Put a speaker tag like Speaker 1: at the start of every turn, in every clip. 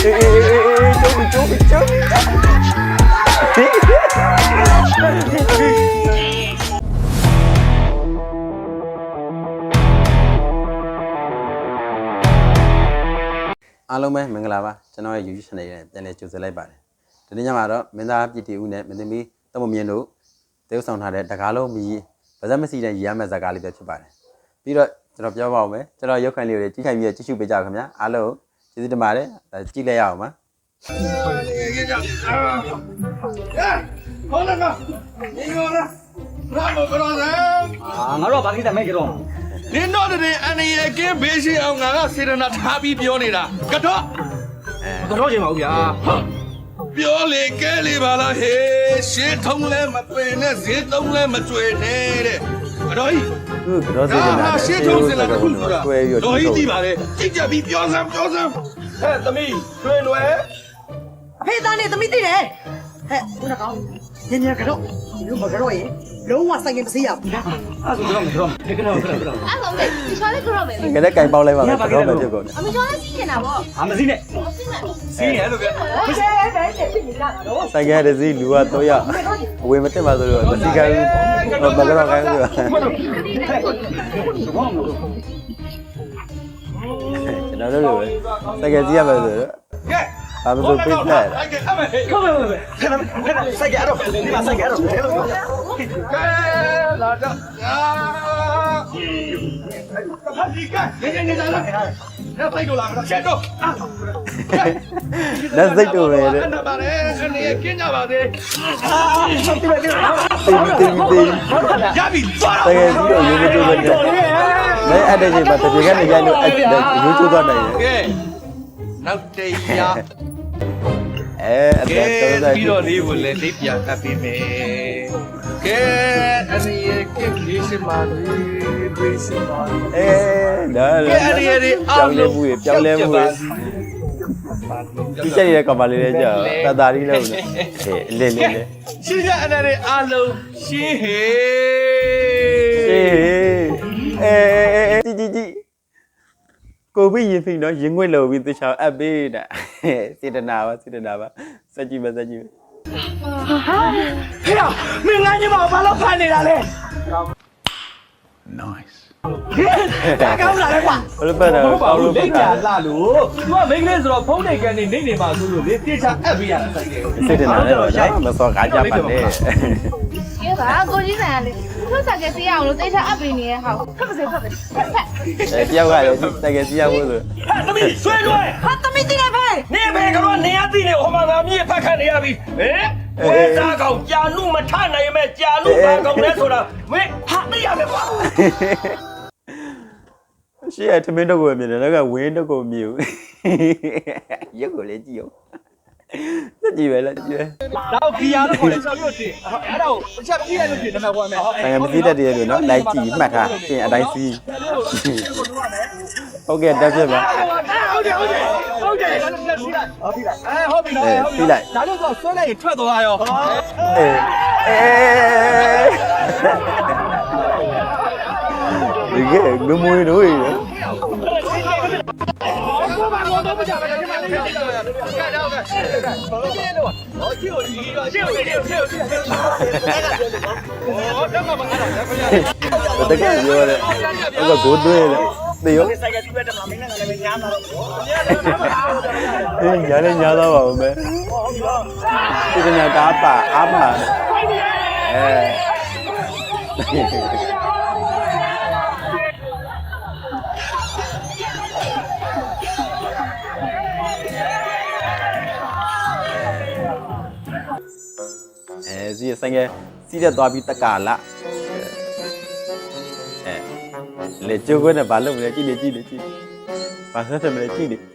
Speaker 1: အားလုံးပဲမင်္ဂလာပါကျွန်တော်ရဲ့ YouTube channel နဲ့ပြန်လည်ကြိုဆိုလိုက်ပါတယ်ဒီနေ့ညမှာတော့မင်းသားပြည်တီဦးနဲ့မင်းသမီးတမမြင့်တို့တေးဥဆောင်ထားတဲ့တကားလုံးမီဗဇက်မစီတဲ့ရည်ရမယ့်ဇာတ်ကားလေးပဲဖြစ်ပါတယ်ပြီးတော့ကျွန်တော်ပြောပါဦးမယ်ကျွန်တော်ရုပ်ခိုင်လေးတွေကြည့်ခိုင်ပြီးကြည့်ရှုပေးကြပါခင်ဗျာအားလုံးကျေးဇူးတင်ပါတယ်ကြည့်လိုက်ရအောင်ပါ
Speaker 2: ဟုတ်လားကဒီလိုလားဘာမပြောလဲ
Speaker 3: ငါတို့ကဘာကိစ္စမဲ့ကြတော့
Speaker 2: နင်တို့တွေအန်ရကင်းဘေးရှိအောင်ငါကစေတနာထားပြီးပြောနေတာကတော့
Speaker 3: ကတော့ချိန်ပါဦးဗျာ
Speaker 2: ပြောလေကဲလေပါလားဟေးရှင်းထုံးလဲမပင်နဲ့ဈေးသုံးလဲမကျွေနဲ့တဲ့ကတော့ဟိ
Speaker 1: ကတော့စေတနာ
Speaker 2: ရှင်းထုံးစင်လာတခုဆိုတာတော့ဟိဒီပါလေကြည့်ကြပြီးပြောစမ်းဟဲ့သမီးတွင်လွယ်
Speaker 4: အဖေသားနဲ့သမီးသိတယ်ဟဲ့ခုနကောင်ညညကတော့ဒီလိုမကတော့ရင်လုံးဝဆိုင်ကမစေးရဘူးလား
Speaker 3: အဲ့ဆိုတော့မတော့တကယ်တော့
Speaker 5: အဲ့ဆုံးလေဒီချောလေးကတော့မယ်
Speaker 1: ငါလည်းကင်ပေါက်လိုက်ပါမယ်တော့မဖြစ်ကုန်
Speaker 5: အမချောလေးစီးနေတာပေါ့
Speaker 3: မစီးနဲ့စီးရလို့ဗျာ
Speaker 4: မရှိပဲဖြစ်နေတာတော့
Speaker 1: ဆိုင်ကတစည်းလူက3ယောက်အဝေမတက်ပါဆိုတော့မစီကိုင်းဘူးမကတော့ခိုင်းဘူးကျွန်တော်တို့လိုပဲဆိုင်ကစီးရမယ်ဆိုတော့
Speaker 2: ကဲ
Speaker 1: ဘာမဆိုပိတ်တယ်
Speaker 3: ခမစိုက်ကြတော့ဒီမှာစိုက်ကြတော့
Speaker 2: ကဲလာတော့ဟာဒီကနေလာလာနောက်ဆိုင်တော့လာတော့ချက်တော့
Speaker 1: လက်စိတ်တို့ပဲတဲ့
Speaker 2: အဲ့ပါလေအနေကင်းကြပါသေးရပြီသွား
Speaker 1: တကယ်ကြီးတော့ရိုးရိုးကျိုးပဲနဲ့လည်းအဲ့တဲ့ချိန်မှာတပြေကနေရိုက်လို့အဲ့ရိုးကျိုးသွားနိုင်တယ်
Speaker 2: ကဲနောက်တရား
Speaker 1: အတက်တော်တော်
Speaker 2: ပြီးတော့လေးကိုလည်းလေးပြန်အပ်ပေးမယ်ကဲအနေရကင်းလေးစမာလေးပေးစမာ
Speaker 1: ဒါလည်း
Speaker 2: အနေရ
Speaker 1: ပြောင်းလဲမှုပြောင်းလဲမှုဒီချက်ရတဲ့ကမ္ဘာလေးလေးကြာတာတာလေးလုံးနဲ့အလေးလေးလေး
Speaker 2: ရှင်းရအနေရအားလုံးရှင်းဟေး
Speaker 1: ကြီးကိုပြီးရင်ဖိနော်ရင်ငွေ့လို့ပြီးသူချောင်းအပ်ပေးတာစေတနာပါစက်ကြည့်မ
Speaker 3: ဟေးမင်းငါ့ညီမဘာလို့ဖန်နေတာလဲ
Speaker 2: nice
Speaker 3: ဒါကောင်းလာလဲကွာ
Speaker 1: ဘယ်လိုပတ်တာ
Speaker 3: ကောင်းလို့လိမ့်ကြလာလို့သူကမိန်းကလေးဆိုတော့ဖုန်းနေကန်နေမှာဆိုလို့လေတေချာအပ်ပေးရတာ
Speaker 1: စေတနာနဲ့တော့မစောကားကြပါနဲ့
Speaker 5: ကဲပါကိုကြီးဆန်ကလေသူ့စကစီးရအောင်လို့တေချာအပ်ပေးနေတဲ့ဟာဖက်ပါစေ
Speaker 1: တယောက်ကလည်းတကယ်စီးရဖို့ဆို
Speaker 3: သမီးဆွဲလွယ်
Speaker 4: ဟာသမီးသိတယ်ဖေ
Speaker 3: နေဘယ်ကတော့နေရသိနေဟိုမှာငါမြည့်ဖက်ခတ်နေရပြီဟင်ဝဲသားကောင်ကြာနုမထနိုင်မဲ့ကြာနုဘာကောင်လဲဆိုတာမင်းဟာသိရမယ်ကွာ
Speaker 1: ရှေ့ကထမင်းတော့ကိုမြင်တယ်နောက်ကဝင်းတော့ကိုမြင်ဘူးရုပ်ကိုလည်းကြည့်အောင်ကြည့်ပဲလားကြည့်ပဲ
Speaker 3: တော့ခီယာလို့ခေါ်တယ်ဆောက်ရွတ်တင်အဲ့ဒါကိုအချက်ပြည့်ရလို့ပြင်နံပါတ်1မယ်
Speaker 1: ဆိုင်မသိတတ်တယ်လို့နော်လိုက်ကြည့်မှတ်ထားပြင်အတိုင်းစီးဟုတ်ကဲ့တက်ပြပါ
Speaker 3: ဟုတ်တယ်ဟုတ်ပြီလား
Speaker 1: ပြီးလိုက်
Speaker 3: ဒါလို့ဆိုဆွဲလိုက်ရင်ထွက်သွားရော
Speaker 1: ဒီကငမွေတို့ရ
Speaker 3: ကိုဘာလို့တော့မကြပါနဲ့ဒီမှာလေးကြည့်တော့ကဲတော့ကဲဘာလို့လဲတော့ဟောချီကိုဒီတော့ချီကိုဒီချီကိုတော့မမကတော့
Speaker 1: တကယ်ပြောတယ်အဲ့ကကိုသွေးလေသေရော
Speaker 3: ဆိုင်ကစီးပဲတမမင်းနဲ့လည်းညားမှာတော့
Speaker 1: ညားလည်းညားတော့ပါဦးမယ်ဒီကနေ့ကားပါအားပါစီးဆိုင်ကစီးတဲ့သွားပြီးတက္ကလာလေကျိုးခွနဲ့ဘာလုပ်မလဲကြည့်ဘာဆက်တယ်မလဲကြည့်နေ
Speaker 3: ဟဲ့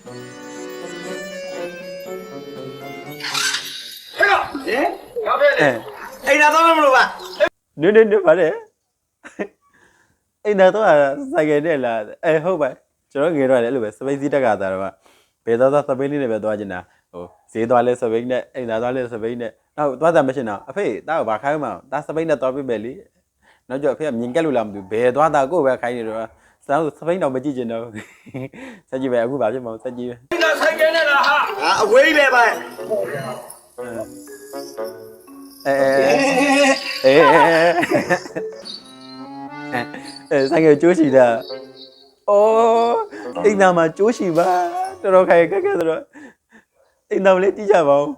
Speaker 3: ကဘယ်လဲအိမ်သာတော့မလို့ပါ
Speaker 1: နေပါလေအိမ်သာတော့ဆိုင်ကတဲ့လားဟုတ်ပါကျွန်တော်ငယ်တော့လည်းအဲ့လိုပဲစပိတ်စီးတက်ကတာတော့ဘယ်တော့စပိတ်လေးနဲ့ပဲသွားကျင်တာဟိုဈေးသွားလဲစပိတ်နဲ့အိမ်သာသွားလဲစပိတ်နဲ့နောက်သွားတာမရှင်းတော့အဖေတားကိုဘာခိုင်းမှာတားစပိတ်နဲ့သွားပြမယ်လေနောက်ကျအဖေကမြင်ကက်လို့လားမသိဘူးဘယ်သွားတာကိုပဲခိုင်းနေတော့စပိတ်တော့မကြည့်ကျင်တော့စက်ကြည့်ပဲအခုဘာဖြစ်မအောင်စက်ကြည့်ပဲ
Speaker 3: ဆိုင်ကနဲ့လားဟာအဝေးပဲပါ
Speaker 1: ဆိုင်ကကျိုးရှိတာအော်အိမ်သားမှာကျိုးရှိပါတော်တော်ခိုင်ခက်ခဲဆိုတော့အိမ်သားလေးတီးကြပါဦး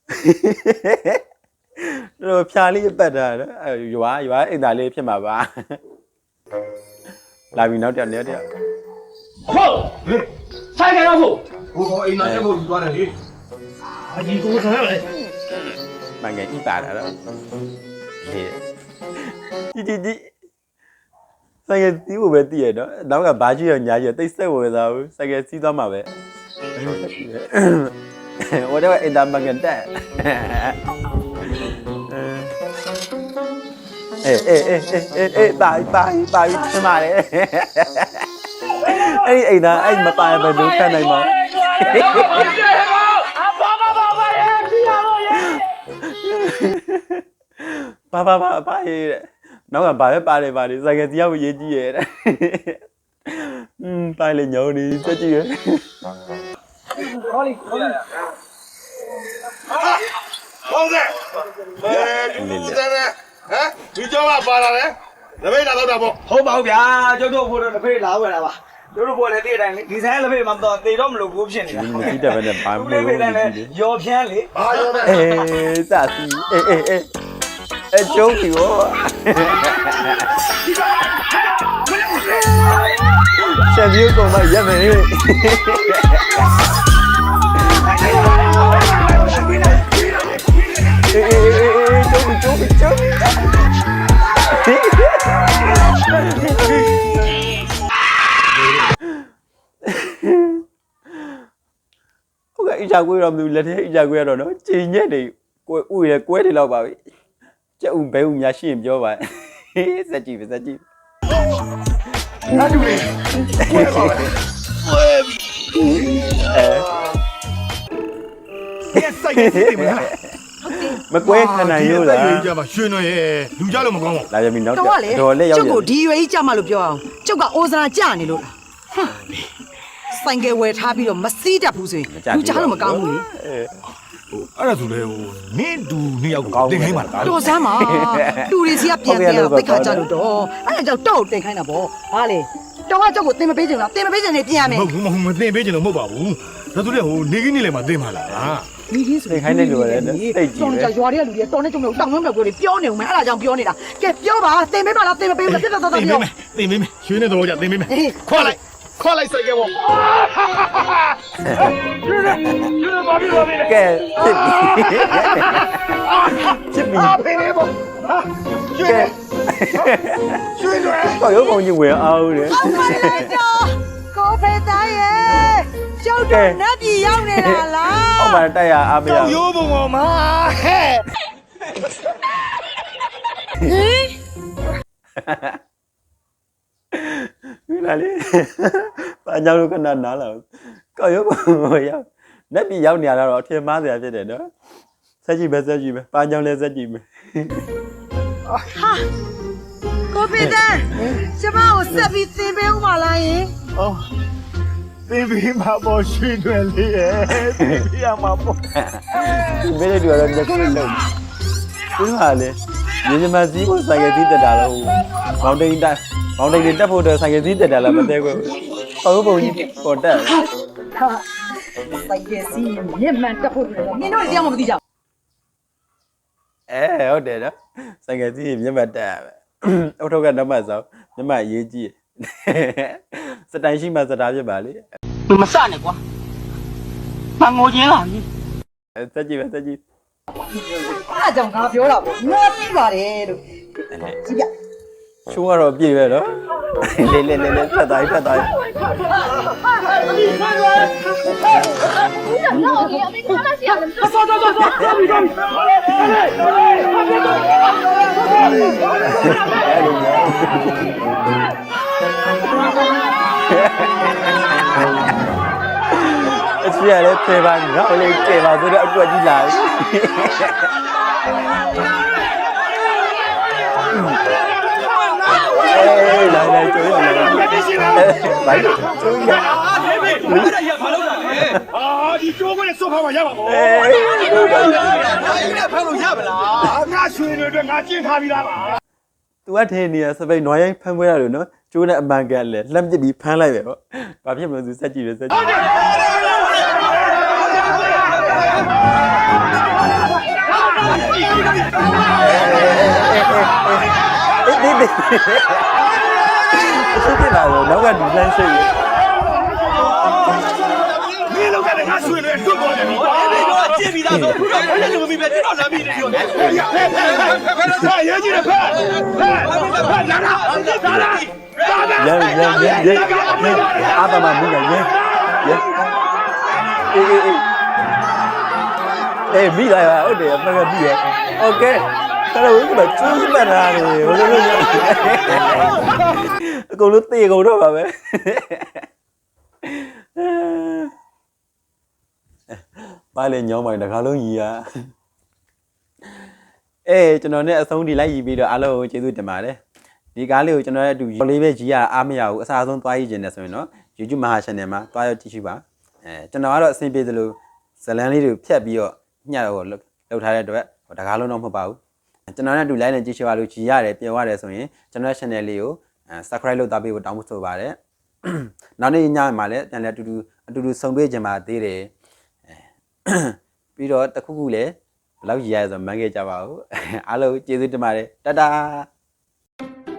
Speaker 1: တော်ဖြာလေးပတ်တာနော်ရွာအိမ်သားလေးဖြစ်မှာပါလာပြီနောက်တစ်နေ့တည်း
Speaker 3: ဟုတ်ဆိုင်ကတော့ဖို့ဘိုးကောင်အိမ်သားတက်ဖို့ယူသွားတယ်လေအကြီးကိုဆန်းရလေ
Speaker 1: မငယ်ဤပါတာတော့ဒီဆိုင်ကစီးဖို့ပဲတည်ရတော့နောက်ကဘာကြီးရောညာကြီးတိတ်ဆက်ဝင်သွားဘူးဆိုင်ကစီးသွားမှာပဲဟိုတော့အိမ်သားမငယ်တက်အေးပါချင်ပါလေအဲ့အိမ်သားအဲ့မပါဘယ်လိုခံနိုင်မှာပါရဲ့နောက်ကဘာပဲပါတယ်ဆိုင်ကတယောက်ရေးကြည့်ရဲ့ပါလေညောင်းနေတက်ကြည့်ရဲ့
Speaker 2: 好嘞，好嘞。好的。你在呢？哎，你叫我扒了嘞？那边拿到哪不？
Speaker 3: ဟုတ်ပါဘူးဗျာကျုပ်တို့ဖို့တော့တစ်ဖေးလာဝယ်တာပါကျုပ်တို့ဖို့လည်းတည့်တိုင်းဒီဆိုင်လက်ဖေးမှာတော့တည်တော့မလို့ဘူးဖြစ်နေတာ
Speaker 1: ဒီမကြည့်တဲ့ဘက်နဲ့ဘာမှမလုပ်ဘူး
Speaker 3: ရော်ဖြန်းလေ
Speaker 2: 啊，有的。
Speaker 1: စစီကျုံးပြီဗောချက်ပြီးကောင်မရက်မယ်ကျုံးဟုတ်ကဲ့အကြကွေးတော့မလို့လက်ထဲအကြကွေးရတော့နော်ချိန်ညက်နေကွေးကွဲတယ်လောက်ပါပြီကျုပ်ဘဲဦးများရှိရင်ပြောပါစက်ကြည့်
Speaker 2: 那就没。赛个对不啦？
Speaker 1: မကွဲခဏရိုးလား
Speaker 2: ကြပါရွှေနော်ရဲ့လူကြလို့မကောင်းပါ
Speaker 1: လာရပြီနောက်
Speaker 4: တော့လေ
Speaker 1: တော်လက်ရောက်
Speaker 4: ကျုပ်ကိုဒီရွယ်ကြီးကြမှာလို့ပြောအောင်ကျုပ်ကအိုစရာကြနေလို့လားဟမ်ဆိုင်ကယ်ဝယ်ထားပြီးတော့မစီးတတ်ဘူးဆိုရင်လူကြားလို့မကောင်းဘူးလေ
Speaker 2: အဲ့ဒါဆိုလေဟိုနင်းတူနှစ်ယောက်ကိုတင်ခိုင်းပါလား
Speaker 4: တော်စမ်းပါလူတွေစီကပြန်ပြန်တော့တိတ်ခါကြလို့တော့အဲ့ဒါကြောင့်တော့တင်ခိုင်းတာပေါ့ဟာလေတော်ကကျုပ်ကိုတင်မပေးချင်လားတင်မပေးချင်နေပြင်ရမယ်
Speaker 2: မဟုတ်ဘူးမတင်ပေးချင်လို့မဟုတ်ပါဘူးဒါဆိုလေဟိုနေခင်းနေလေမှာတင်ပါလား
Speaker 4: ဒီကြီးဆိုတော်ကြရွာတွေကလူတွေတော်နေကြုံလို့တောင်းနှောင်းပြောတွေပြောနေဦးမယ်အဲ့ဒါကြောင့်ပြောနေတာကဲပြောပါတင်ပေးပါလားတင်မပေးဘူးပြတ်တော့ပြော
Speaker 2: တင်ပေးမယ်ရွှေနဲ့တော့ကြတင်ပေးမယ်ခွာလိုက်စိုက်ကဲပေါ့
Speaker 1: ကဲဖြစ်ပြီ
Speaker 2: ဖေးနေပေါ့ရွှေတွေ
Speaker 1: တော့ရုပ်ပုံကြီးဝင်အောင်လေ
Speaker 4: ကိုဖေသားရဲ့ကျုပ်တို့နတ်ပြည်ရောက်နေတာလား
Speaker 1: အောက်မှာတက်ရအားမရ
Speaker 2: ရိုးပုံပေါ်မှာဟဲ့
Speaker 1: ဒီလာလေပါကြောင်လို့ခဏနားလာကောက်ရုပ်ပုံရောက်နက်ပြည်ရောက်နေရတော့အထင်မှားစရာဖြစ်တယ်နော်ဆက်ကြည့်ပဲပါကြောင်လည်းဆက်ကြည့်မယ်
Speaker 4: ဟာကိုဖေသားကျမကိုဆက်ပြီးသင်ပေးဦးမလားယင်
Speaker 2: အော်တင်ပေးမှာပေါ့ရွှေတွေလေးရဲ့တင်ပေးရမှာပေါ့
Speaker 1: ဒီမေးတဲ့သူကတော့ညက်ခုလုံးဒီဟာလေညီမစီးကိုဆိုင်ကစီးတက်တာလို့မောင်တိန်တက်ဖို့တော့ဆိုင်ကစီးတက်တာလားမသိဘူးပုံပုံကြီးပေါ်တက်
Speaker 4: ဟာစိုက်ကစီမြင့်မှန်တက်ဖို့လို့နင်တို့တရားမသိကြဘူး
Speaker 1: ဟုတ်တယ်နော်ဆိုင်ကစီးမျက်မှတ်တက်ရပဲအုတ်ထုတ်ကနံပါတ်ဆောင်မျက်မှတ်ရေးကြည့်စတိုင်ရှိမှစတားဖြစ်ပါလေ
Speaker 6: 你们散了瓜，把我赢了你。
Speaker 1: တက်ကြည့်ပဲတက်ကြည့်
Speaker 4: အားကြောင့်ငါပြောတာပေါ့ငါပြီးပါတယ်လို့ကြည့်ပြ
Speaker 1: ချိုးကတော့ပြည့်ပဲနော်လေဖတ်တိုင်း
Speaker 5: 那我给你看那些。
Speaker 1: အချီရလဲဖေးပါငါ့လေးကျေပါဆိုတော့အတွက်ကြီးလာလာကျိုးရလာဘိုင်ကျိုးရ
Speaker 3: အဲ့ဒါရမလုပ်တာလေ啊，你叫我来说话嘛，要不？
Speaker 1: အေးဟုတ်ပါပြီ
Speaker 3: 你朋友要不啦？俺兄弟这俺警察比他嘛。
Speaker 1: तू ကထင်းနေရစပိတ်နွားရိုင်းဖမ်းပွဲရတယ်နော်ကျိုးနဲ့အမှန်ကန်လဲလှမ်းပစ်ပြီးဖမ်းလိုက်ပဲပေါ့ဘာဖြစ်မလို့သူစက်ကြည့်တယ်စက်ကြည့်အေးရှိတယ်လားနောက်ကဒီလမ်းရှိရ
Speaker 3: 你老在那俺兄弟说过的，你这比他多，俺这个比别知道啥比的多。快，有你的快，快，拿他，拿他。
Speaker 1: ရဲအာသမမင်းကရဲအေးမိလာရဟုတ်တယ်အမှန်ကပြီးရโอเคအဲ့တော့ဘယ်ကျိုးမှတ်တာလဲဘယ်လိုလဲအကုန်လုံးတေကုန်တော့ပါပဲပါလေညောင်းမိုင်တကားလုံးကြီးอ่ะကျွန်တော်နဲ့အဆုံးထိလိုက်ရပြီးတော့အားလုံးကိုကျေးဇူးတင်ပါတယ်ဒီကားလေးကိုကျွန်တော်ရဲ့အတူလေးပဲကြီးရအားမရဘူးအစားဆုံးသွားရည်ကျင်တယ်ဆိုရင်တော့ YouTube Maha Channel မှာသွားရောက်ကြည့်ရှုပါကျွန်တော်ကတော့အဆင်ပြေသလိုဇလန်းလေးတွေဖြတ်ပြီးတော့ညှပ်တော့လောက်ထားတဲ့အတွက်တကားလုံးတော့မဟုတ်ပါဘူးကျွန်တော်နဲ့အတူ like နဲ့ကြည့်ရှုပါလို့ကြီးရတယ်ပြောရတယ်ဆိုရင်ကျွန်တော်ရဲ့ channel လေးကို subscribe လုပ်သားပေးဖို့တောင်းဆိုပါတယ်နောက်နေ့ညမှာလည်းပြန်လည်းအတူတူဆုံတွေ့ကြပါသေးတယ်ပြီးတော့တခုခုလည်းဘယ်လောက်ရည်ရဆိုမှန်းခဲ့ကြပါဦးအားလုံးကျေးဇူးတင်ပါတယ်တတာ